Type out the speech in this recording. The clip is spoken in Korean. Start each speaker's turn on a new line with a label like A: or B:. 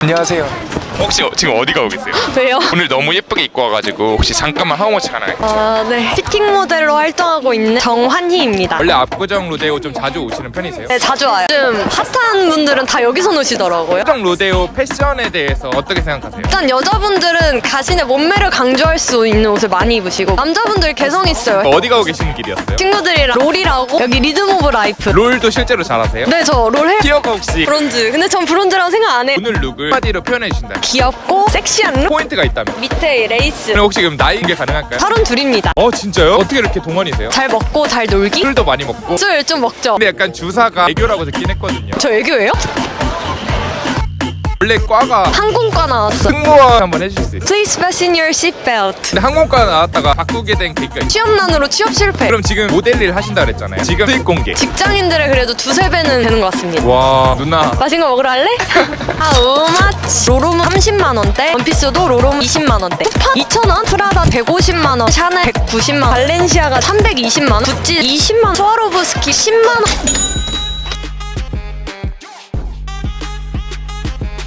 A: 안녕하세요.
B: 혹시 지금 어디 가고 계세요?
C: 왜요?
B: 오늘 너무 예쁘게 입고 와가지고 혹시 잠깐만 하우머치 하나요?
C: 네. 피팅 모델로 활동하고 있는 정환희입니다.
B: 원래 압구정 로데오 좀 자주 오시는 편이세요?
C: 네, 자주 와요. 요즘 핫한 분들은 다 여기서 노시더라고요.
B: 압구정 로데오 패션에 대해서 어떻게 생각하세요?
C: 일단 여자분들은 자신의 몸매를 강조할 수 있는 옷을 많이 입으시고 남자분들 개성 있어요.
B: 어디 가고 계시는 길이었어요?
C: 친구들이랑 롤이라고 여기 리듬 오브 라이프.
B: 롤도 실제로 잘하세요?
C: 네, 저 롤 해요.
B: 티어가 혹시
C: 브론즈. 근데 전 브론즈라고 생각 안 해.
B: 오늘 룩을 한마디로 표현해 주신다.
C: 귀엽고 섹시한 룩.
B: 포인트가 있다면?
C: 밑에 레이스.
B: 그럼 혹시 그럼 나이 게 가능할까요?
C: 32입니다.
B: 진짜요? 어떻게 이렇게 동안이세요?
C: 잘 먹고 잘 놀기?
B: 술도 많이 먹고
C: 술 좀 먹죠.
B: 근데 약간 주사가 애교라고 듣긴 했거든요.
C: 저 애교예요?
B: 원래 과가
C: 항공과 나왔어.
B: 승무원 한번 해주실 수 있어요?
C: Please fasten your seatbelt.
B: 근데 항공과 나왔다가 바꾸게 된 계기가 있어요.
C: 취업난으로 취업 실패.
B: 그럼 지금 모델 일 하신다 그랬잖아요. 지금 수익 공개.
C: 직장인들의 그래도 두세 배는 되는 것 같습니다.
B: 와 누나
C: 맛있는 거 먹으러 갈래? 우마치. 로롬 30만 원대, 원피스도 로롬 20만 원대. 쿠파 2,000원, 프라다 150만 원, 샤넬 190만 원, 발렌시아가 320만 원, 구찌 20만 원, 스와로브스키 10만 원.